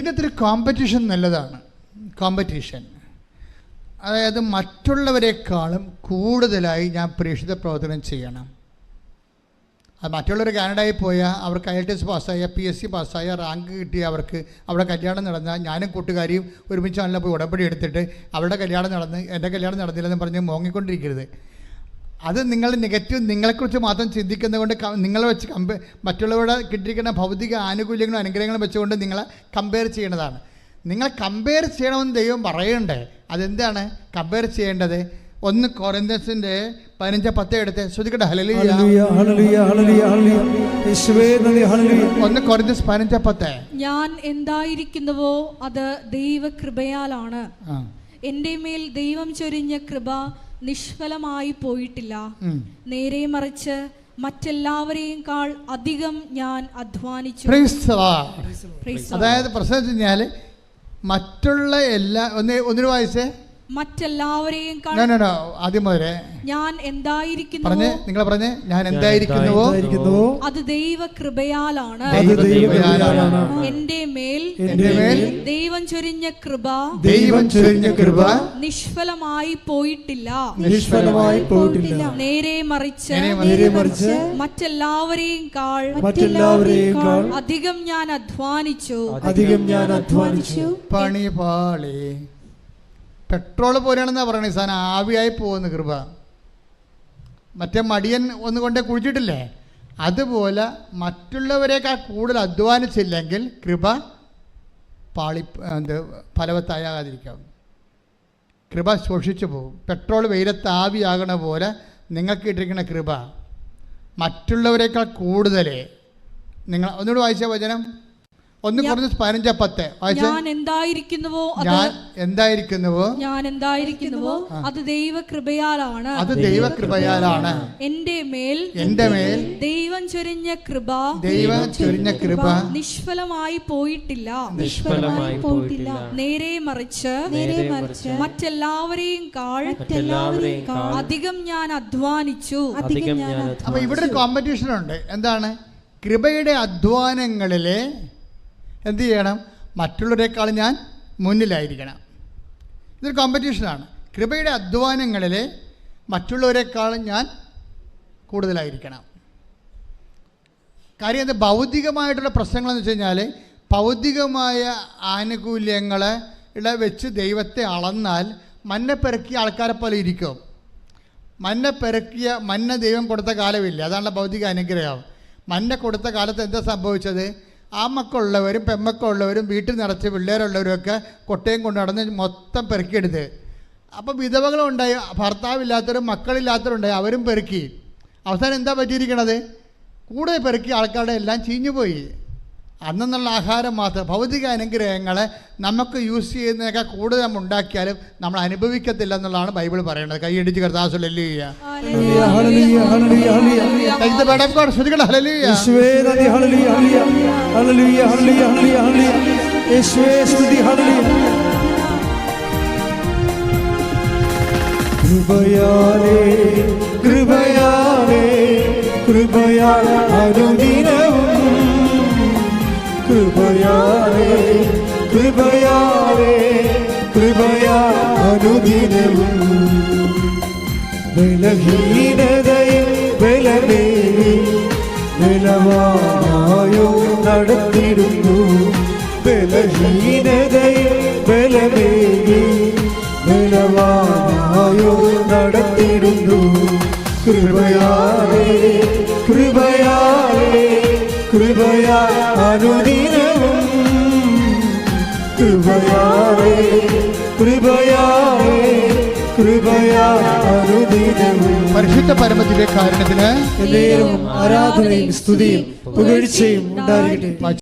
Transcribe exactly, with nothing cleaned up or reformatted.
ഇതിനകത്തൊരു കോമ്പറ്റീഷൻ നല്ലതാണ്. കോമ്പറ്റീഷൻ, അതായത് മറ്റുള്ളവരെക്കാളും കൂടുതലായി ഞാൻ പ്രേക്ഷിത പ്രവർത്തനം ചെയ്യണം. അത് മറ്റുള്ളവർ കാനഡയിൽ പോയാൽ അവർക്ക് ഐ എൽ ടി എസ് പാസ്സായ, പി എസ് സി പാസ്സായ, റാങ്ക് കിട്ടിയ അവർക്ക് അവിടെ കല്യാണം നടന്നാൽ ഞാനും കൂട്ടുകാരിയും ഒരുമിച്ച് നല്ല പോയി ഉടമ്പടി എടുത്തിട്ട് അവരുടെ കല്യാണം നടന്ന് എൻ്റെ കല്യാണം നടന്നില്ലെന്ന് പറഞ്ഞ് മോങ്ങിക്കൊണ്ടിരിക്കരുത്. അത് നിങ്ങൾ നെഗറ്റീവ് നിങ്ങളെക്കുറിച്ച് മാത്രം ചിന്തിക്കുന്നത് കൊണ്ട് നിങ്ങളെ വെച്ച് കമ്പയർ മറ്റുള്ളവരുടെ കിട്ടിയിരിക്കുന്ന ഭൗതിക ആനുകൂല്യങ്ങളും അനുഗ്രഹങ്ങളും വെച്ചുകൊണ്ട് നിങ്ങളെ കമ്പയർ ചെയ്യേണ്ടതാണ്. നിങ്ങൾ കമ്പയർ ചെയ്യണമെന്ന് ദൈവം പറയണ്ടേ? അതെന്താണ് കമ്പയർ ചെയ്യേണ്ടത്? ഒന്ന് കൊരിന്ത്യൻസിന്റെ പതിനഞ്ച് പത്ത് എടുത്ത് ശ്രദ്ധിക്കട്ടെ. ഹല്ലേലൂയ ഹല്ലേലൂയ ഹല്ലേലൂയ യേശുവേ നന്ദി ഹല്ലേലൂയ. ഒന്ന് കൊരിന്ത്യൻസ് പതിനഞ്ച് പത്ത്. ഞാൻ എന്തായിരിക്കുന്നുവോ അത് ദൈവകൃപയാലാണ്. എൻ്റെ മേൽ ദൈവം ചൊരിഞ്ഞ കൃപ നിഷ്ഫലമായി പോയിട്ടില്ല. നേരെ മറിച്ച് മറ്റെല്ലാവരെയും കാൾ അധികം ഞാൻ അധ്വാനിച്ചു. അതായത് പ്രശ്നം വെച്ച് കഴിഞ്ഞാല് മറ്റുള്ള എല്ലാ ഒന്ന് ഒന്നിനു വായിച്ചേ മറ്റെല്ലാവരെയും ആദ്യം മുതലേ ഞാൻ എന്തായിരിക്കുന്നു പറഞ്ഞേ നിങ്ങൾ പറഞ്ഞേ ഞാൻ എന്തായിരിക്കുന്നുവോ അത് ദൈവകൃപയാലാണ്. എന്റെ മേൽ ദൈവം ചൊരിഞ്ഞ കൃപ ദൈവം ചൊരിഞ്ഞ കൃപ നിഷ്ഫലമായി പോയിട്ടില്ല നിഷ്ഫലമായി പോയിട്ടില്ല നേരെ മറിച്ച് നേരെ മറിച്ച് മറ്റെല്ലാവരെയും കാൾ മറ്റെല്ലാവരെയും കാൾ അധികം ഞാൻ അധ്വാനിച്ചു അധികം ഞാൻ അധ്വാനിച്ചു. പണി പാളി പെട്രോൾ പോലെയാണെന്നാ പറയണേ. സാധനം ആവിയായി പോകുന്ന കൃപ. മറ്റേ മടിയൻ ഒന്ന് കൊണ്ടേ കുഴിച്ചിട്ടില്ലേ, അതുപോലെ മറ്റുള്ളവരെക്കാൾ കൂടുതൽ അധ്വാനിച്ചില്ലെങ്കിൽ കൃപ പാളി എന്ത് ഫലവത്താകാതിരിക്കാം. കൃപ ശോഷിച്ചു പോകും. പെട്രോൾ വെയിലത്ത് ആവിയാകണ പോലെ നിങ്ങൾക്ക് ഇട്ടിരിക്കുന്ന കൃപ മറ്റുള്ളവരെക്കാൾ കൂടുതൽ നിങ്ങൾ ഒന്നുകൂടി വായിച്ച വചനം ഒന്ന് കുറഞ്ഞ പതിനഞ്ച് പത്ത്. ഞാൻ എന്തായിരിക്കുന്നുവോ ഞാൻ എന്തായിരിക്കുന്നുവോ ഞാൻ എന്തായിരിക്കുന്നുവോ അത് ദൈവകൃപയാലാണ് അത് ദൈവകൃപയാലാണ്. എന്റെ മേൽ എന്റെ മേൽ ദൈവം ചൊരിഞ്ഞ കൃപ ദൈവം ചൊരിഞ്ഞ കൃപ നിഷ്ഫലമായി പോയിട്ടില്ല നിഷ്ഫലമായി പോയിട്ടില്ല നേരെ മറിച്ച് നേരെ മറിച്ച് മറ്റെല്ലാവരെയും കാൾ മറ്റെല്ലാവരെയും കാൾ അധികം ഞാൻ അധ്വാനിച്ചു അധികം ഞാൻ. അപ്പൊ ഇവിടെ ഒരു കോമ്പറ്റീഷൻ ഉണ്ട്. എന്താണ്? കൃപയുടെ അധ്വാനങ്ങളിലെ എന്ത് ചെയ്യണം? മറ്റുള്ളവരെക്കാൾ ഞാൻ മുന്നിലായിരിക്കണം. ഇതൊരു കോമ്പറ്റീഷനാണ്. കൃപയുടെ അധ്വാനങ്ങളിൽ മറ്റുള്ളവരെക്കാളും ഞാൻ കൂടുതലായിരിക്കണം. കാര്യം എന്താ? ഭൗതികമായിട്ടുള്ള പ്രശ്നങ്ങളെന്ന് വെച്ച് കഴിഞ്ഞാൽ ഭൗതികമായ ആനുകൂല്യങ്ങളെ വെച്ച് ദൈവത്തെ അളന്നാൽ മന്ന പെറുക്കിയ ആൾക്കാരെ പോലെ ഇരിക്കും. മന്ന പെറുക്കിയ മന്ന ദൈവം കൊടുത്ത കാലമില്ല. അതാണ് ഭൗതിക അനുഗ്രഹം. മന്ന കൊടുത്ത കാലത്ത് എന്താ സംഭവിച്ചത്? ആ മക്കളുള്ളവരും പെമ്മക്കളുള്ളവരും വീട്ടിൽ നിറച്ച് പിള്ളേരുള്ളവരുമൊക്കെ കൊട്ടയും കൊണ്ട് നടന്ന് മൊത്തം പെറുക്കിയെടുത്ത്. അപ്പോൾ വിധവകളുണ്ടായി, ഭർത്താവില്ലാത്തവരും മക്കളില്ലാത്തവരുണ്ടായി, അവരും പെറുക്കി. അവസാനം എന്താ പറ്റിയിരിക്കണത്? കൂടുതൽ പെറുക്കി ആൾക്കാരുടെ എല്ലാം ചീഞ്ഞുപോയി. അന്നുള്ള ആഹാരം മാത്രം. ഭൗതിക അനുഗ്രഹങ്ങളെ നമുക്ക് യൂസ് ചെയ്യുന്നതൊക്കെ കൂടുതൽ നമ്മൾ ഉണ്ടാക്കിയാലും നമ്മൾ അനുഭവിക്കത്തില്ല എന്നുള്ളതാണ് ബൈബിൾ പറയുന്നത്. കൈയടിച്ച് കർത്താവ് ഹല്ലേലൂയ കൃപയാലേ കൃപയാലേ കൃപയാലേ അനുദിനവും കൃപയാലേ കൃപയാലേ കൃപയാ അനുദിനവും ബലഹീനതയിൽ ബലമേറി ബലവാനായോ നടത്തിടുന്നു ബലഹീനതയിൽ ബലമേറി ബലവാനായോ നടത്തിടുന്നു കൃപയാലേ കൃപയാലേ കൃപയാ അനുദിനവും കൃപയാലേ കൃപയാലേ കൃപയാ അനുദിനവും. പരിശുദ്ധ പരമദിവ്യ കാരുണ്യത്തിന് ആരാധനയും സ്തുതിയും പുകഴ്ചയും ഉണ്ടായിരിക്കട്ടെ.